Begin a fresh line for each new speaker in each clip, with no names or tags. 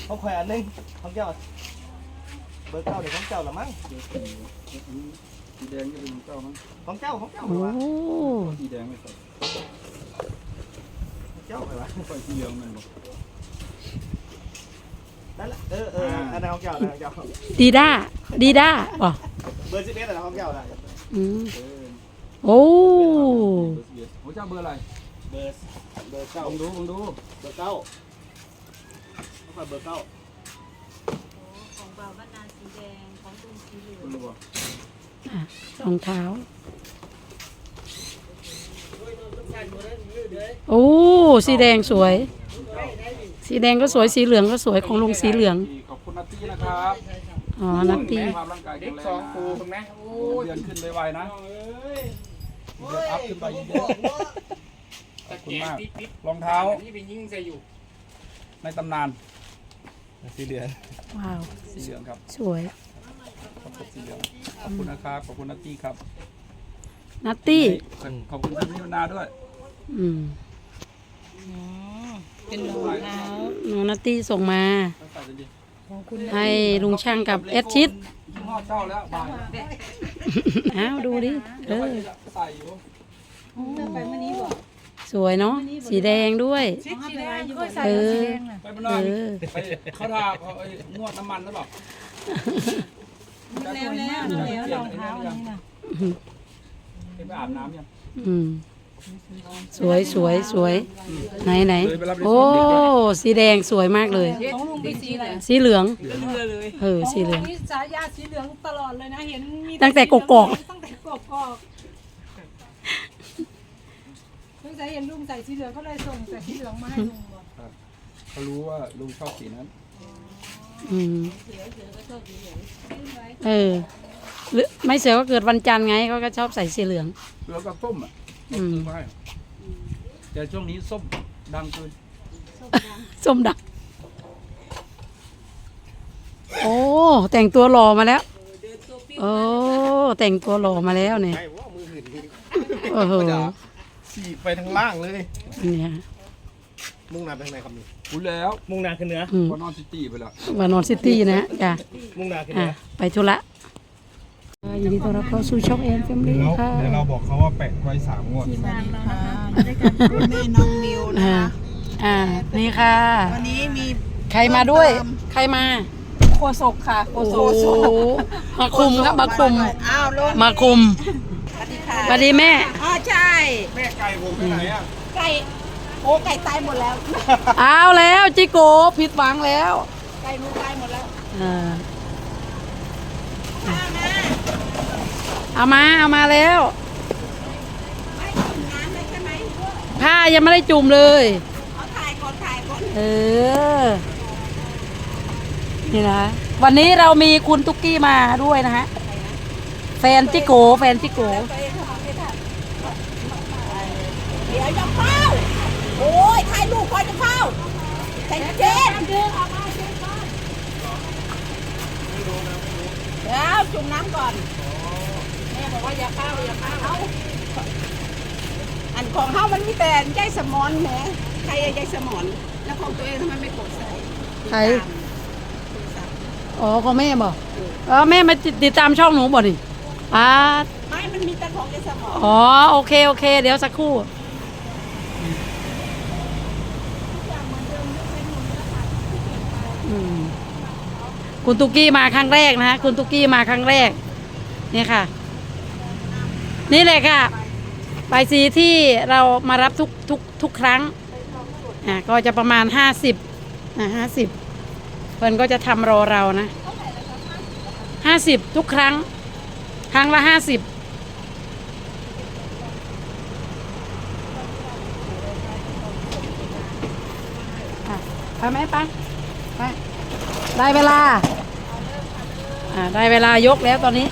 เขาคอยอันนึงของเจ้าเบอร์เก้าเดี๋ยวของเจ้าละมั้ง
สีแดงจะเป็นเก้ามั้ง
ของเจ้า
โอ้
สีแดงไม่ใส่
เจ้าไปวะ
ใส่สีเหลืองมันบอก
นั่นแหละอันนั้นของเจ้าของเจ้า
ดีด้าป่ะ
เบอร์11อะไรของเจ้าล่ะ
โอ้
ของเจ้าเบอร์อะไร
เบอร์เก้า
ดู
เบอร์เก้าเขาเบอร์เก้า
ของบ่าวบ้านนาสีแดงของลุงสีเหลือง
รองเท้าโอ้สีแดงสวยสีแดงก็สวยสีเหลืองก็สวยของลุงสีเหลือง
ขอบคุณนัตตี้นะครับ
อ๋อนัตตี้
ความร่างกายแข็งแรง2 ปูถูกไหมเดือนขึ้นไวๆนะเดือนอัพขึ้นไปเยอะขอบคุณมากรองเท้าที่เป็นยิ่งใจอยู่ในตำนาน
สีเหลือง
ว้าว
สีเหลืองครับ
สวย
ขอบคุณสีเหลืองขอบคุณนะครับขอบคุณนัตตี้ครับ
นัตตี้
ขอบคุณท่านนิวนาด้วย
เป็นรองเท้า
น้องนัตตี้ส่งมาให้ลุงช่างกับเอสชิด
เจ้าแล้วบ่าย
อ้าวดูดิ
ใส่อยู่
ไปเมื่อนี้บอก
สวยเนาะสีแดงด้วย
เขาทาเขานวดน้ำมันหรือเปล่า
แล้วรองเท้าอันนี้นะ
ไปอาบน้ำยัง
สวยไหนโอ้สีแดงสวยมากเลยสีเหลืองสีเหลือง
สายาสีเหลืองตลอดเลยนะเห็นมี
ตั้งแต่กกอก
ตั้งแต่เห็นลุงใส่สีเหลืองเขาเลยส่งใส่สีเหลืองมาให้ลุงบอก
เขารู้ว่าลุงชอบสีนั้น
ไม่เสือก็เกิดวันจันทร์ไงเขาก็ชอบใส่สีเหลือง
แล้วก็ส้มไม่แต่ช่วงนี้ส้มดังเกิน
ส้มดังโอ้แต่งตัวหล่อมาแล้วโอ้แต่งตัวหล่อมาแล้วเนี่ยโอ้โห
สีไปทางล่างเลย
เนี่ย
มุ่งหน้าไปทางไหนครับนี่
รู้แล้ว
มุ่งหน้าขึ้นเหนือ
วานอนซิตี้ไปแล้ว
วานอนซิตี้นะจ้ะ
มุ่งหน้าขึ้นเหนือ
ไปธุระยินดีต้อนรับเข้าสู่ช่องแอนแฟมิลี่ค่ะ
เดี๋ยวเราบอกเขาว่าแปะไว้3 งวด
แม่น้องมิวนะคะ
นี่ค่ะ
วันนี้มี
ใครมาด้วยใครมา
โคศกค่ะโคศก
มาคุมครับมาคุม
อ้าวลง
มาคุม
สวัสดีค่ะ
สวัสดีแม่
ใช่
แม่ไก่ผมไปไหนอ่ะ
ไก่ไก่ตายหมดแล้ว
เอาแล้วจิโกผิดหวังแล้ว
ไก่หนูตายหมดแล้ว
เอามาแล้วผ้ายังไม่ได้จุ่มเลย
ถ่ายก่อน
นี่นะวันนี้เรามีคุณตุ๊กกี้มาด้วยนะฮะแฟนจิโก
เดี๋ยวจะเข้าโอ้ยถ่ายรูปก่อนจะเข้าใจเย็นเดี๋ยวจุ่มน้ำก่อนแม่บอกว่าอย่าเข้าอันของเข้ามันมีแต่ใจสมอนแหมใครใจสมอนแล้วของตัวเองทำไมไม่กดใส่
ใครอ๋อของแม่บอกแม่มาติดตามช่องหนูบ่ดิ
ไม่มันมีแต่ของใจสมอน
อ๋อโอเคเดี๋ยวสักครู่คุณตุ๊กกี้มาครั้งแรกนะฮะคุณตุ๊กกี้มาครั้งแรกนี่ค่ะนี่แหละค่ะใบสีที่เรามารับทุกครั้งก็จะประมาณ50เพิ่นก็จะทำรอเรานะ50ทุกครั้งละ50ไปไหมไปได้เวลายกแล้วตอนนี้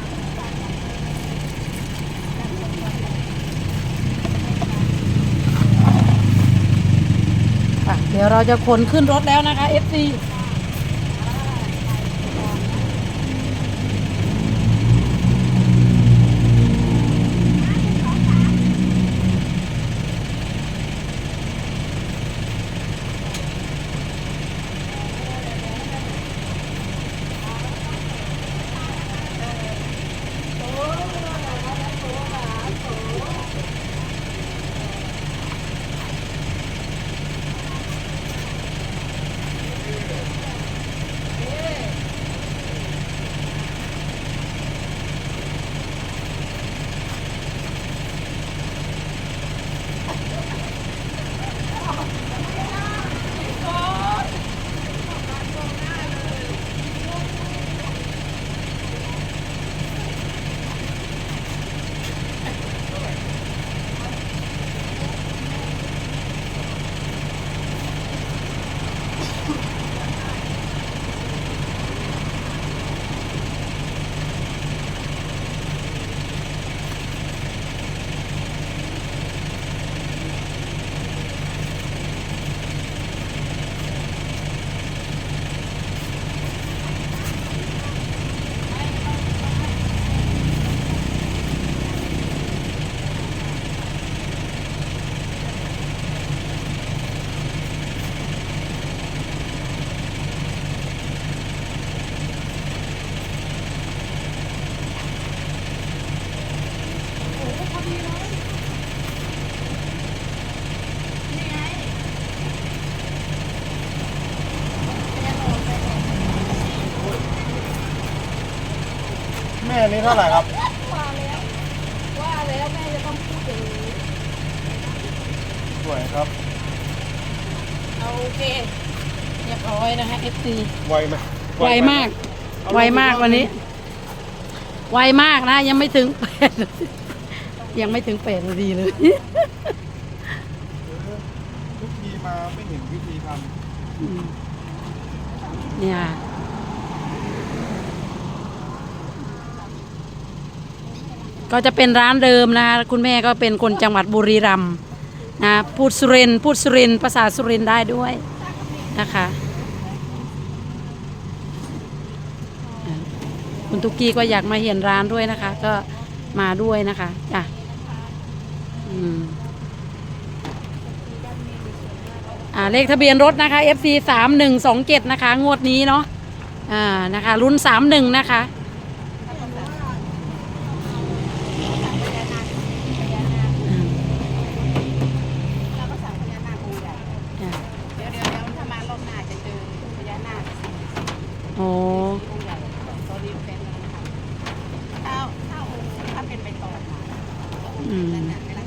เดี๋ยวเราจะขนขึ้นรถแล้วนะคะ FC
อันนี้เท่าไหร่ครับ
ว่าแล้วแม่จะต้องพูดอย่างนี้
สวยครับ
โอเค
เรียบร้อยนะคะ FC
ไวไหม
ไวมาก ไวมากวันนี้ ไวมากนะ ยังไม่ถึง8 ยังไม่ถึง8 นาทีเลย
ทุกทีมาไม่เห็นวิธีท
เนี่ย ก็จะเป็นร้านเดิมนะคะคุณแม่ก็เป็นคนจังหวัดบุรีรัมย์นะพูดสุรินทร์พูดสุรินทร์ภาษาสุรินทร์ได้ด้วยนะคะคุณตุกกี้ก็อยากมาเห็นร้านด้วยนะคะ ก็มาด้วยนะคะจ้ะเลขทะเบียนรถนะคะ FC 3127นะคะงวดนี้เนาะนะคะรุ่น31นะคะ
เราก็สั่งพญานาคองค์ใหญ่เดี๋ยวถ้ามารอบหน้าจะเจอพญานาค
โอ้
องค์ใหญ่ตอนนี้เป็นนะคะถ้าเป็นไปต่อมานั่นน่ะไม่ได้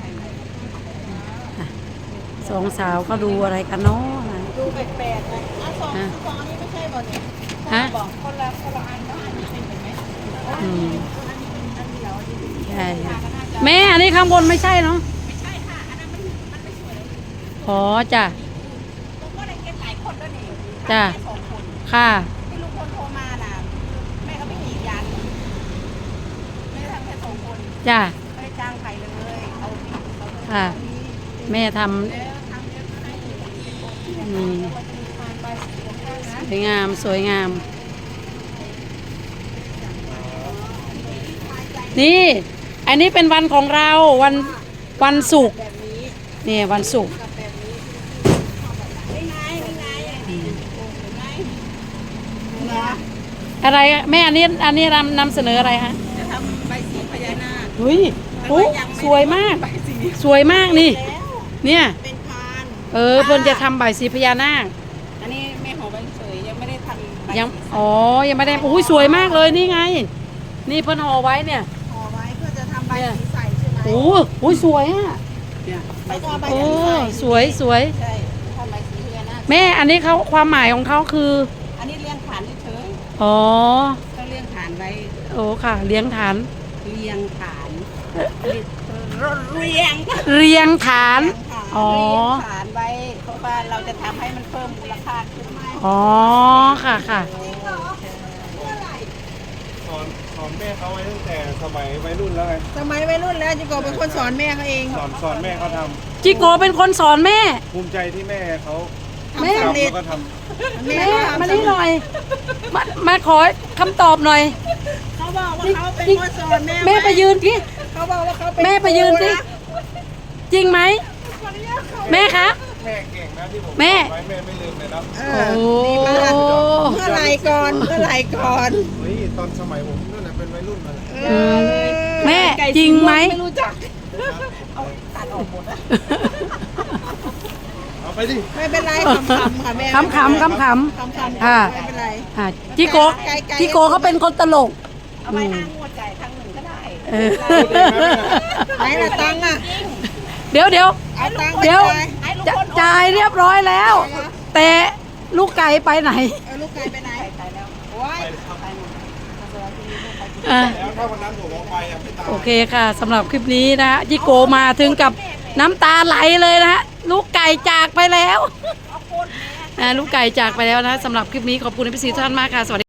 สองสาวก็ดูอะไรกันเนาะนะ
ดูแปลกๆเลยสองอันนี้ไม่ใช่บ่เนี่ย
ฮะ
บอกคนละอันแล้วอันนี้เป็นไหม
อืม
อันนี้เป็นอันเดียวอันนี้
ใช่แม่อันนี้ข้างบนไม่ใช่เนาะ
ไม่ใช่ค่ะอันนั้นมันไม่สวย
อ๋อจ้ะ
ผมก็ได้เก็บหลายคนแล้วนี่
จ้ะ
แค่สองคน
ค่ะ
ที่ลุงพลโทรมาน่ะแม่ก็ไปกรีดยางแม่ทำแค่สองคน
จ้ะ
ไม่ได้จ้างใครเลยเอาที่เขา
ค่ะ แม่ท
แล้วทำเยอะก็ให้
ำอืม
ว่าจะมีความใบสีของข้างนะ
สวยงามสวยงาม นี่ อันนี้เป็นวันของเราวันศุกร์
แบบนี้
นี่วันศุกร์
กับแบบนี้นี่ไงนี่ไงอย่างนี้โอ้โหไงนะ
อะไรแม่อันนี้นำเสนออะไรฮะ
จะทำใบสีพญานาค
เฮ้ยโอ้สวยมาก
ใบสี
สวยมากนี่
แล้ว
เนี่ย
เป็นพาน
เพิ่นจะทำใบสีพญานาค
อันนี้แม่หอใบเฉยยังไม่ได้ทำใบ
ยัง
สี
อ๋อยังไม่ได้อุ้ยสวยมากเลยนี่ไง นี่เพิ่นห่อไว้เนี่ย
ห่อไว้เพื่อจะทำใบสีใสใช่ไหม
โอ้โหสวยอ่ะ
แล้วก็เอาใบ
โอ้
สีใส
สวยสวย
ใช่ทำใบสีพญานาค
แม่อันนี้เขาความหมายของเขาคือ
อันนี้เลี้ยงฐานเฉย
อ๋อ
ๆก็เลี้ยงฐานไว้
โอ้ค่ะ เลี้ยงฐาน
เรียงฐานเรียง
เรียงฐาน อ๋อ
เรียงฐานไว้เพราะว่าเราจะทำให้มันเพิ่มมูลค่าขึ้นไหม
อ๋อค่ะค่ะ
สอนแม่เขาไว้ตั้งแต่สมัยวัยรุ่นแล้วไง
สมัยวัยรุ่นแล้วจิโกเป็นคนสอนแม่เขาเอง
สอนแม่เขาท
จิโกเป็นคนสอนแม่
ำภูมิใจที่แม่เขา
แม่
ทำแล้วก็ท
แม่มานี่หน่อย มาขอคำตอบหน่อย
เขาบอกว่าเขาเป็นคนสอนแม่
แม่ไปยืนที่
เขาบอกว่าเขาเป็น
แม่ไปยืนสิจริงไหมแม่คะ
ำแม่เก่งนะที่ผม
แม่
ไว้แม่ไม่ลืมเลยนะ
โอ้
เมื่อไหรก่อนเมื่อไหรก่อน
เฮ้ยตอนสมัยผมนั่นแหละเป็นวัยรุ่นมาแหละ
แม่จริงไหม
ไม่รู้จักเอาตัดออกหมดนะ
เอาไปดิ
ไม่เป็นไรขำๆค่ะแม่
ขำๆขำ
ขำๆ
ค่ะ
ไม่เป็นไร
จิโกจิโกเขาเป็นคนตลก
เอาไปห้างงวดจ่ายครั้งหนึ่งก็ได้
เออ
ไหนละตังค์อ่ะ
เดี๋ยว
เอาตังค์ไป
เดี๋ยว
จ่ายให้ลุง
จะ
พล
จ่ายเรียบร้อยแล้ว แต่ลูกไก่ไปไหน
เอาลูกไก่ไปไหนไปแล้วโอ้ยไปหมดแล้ว
อ่ะ
แล้วถ้าวันนั้นผมเอาไปอ่ะไม่ตาม
โอเคค่ะสำหรับคลิปนี้นะฮะจิโกมาถึงกับน้ำตาไหลเลยนะฮะลูกไก่จากไปแล้วลูกไก่จากไปแล้วนะสำหรับคลิปนี้ขอบคุณพี่ซีทุกท่านมากค่ะสวัสดี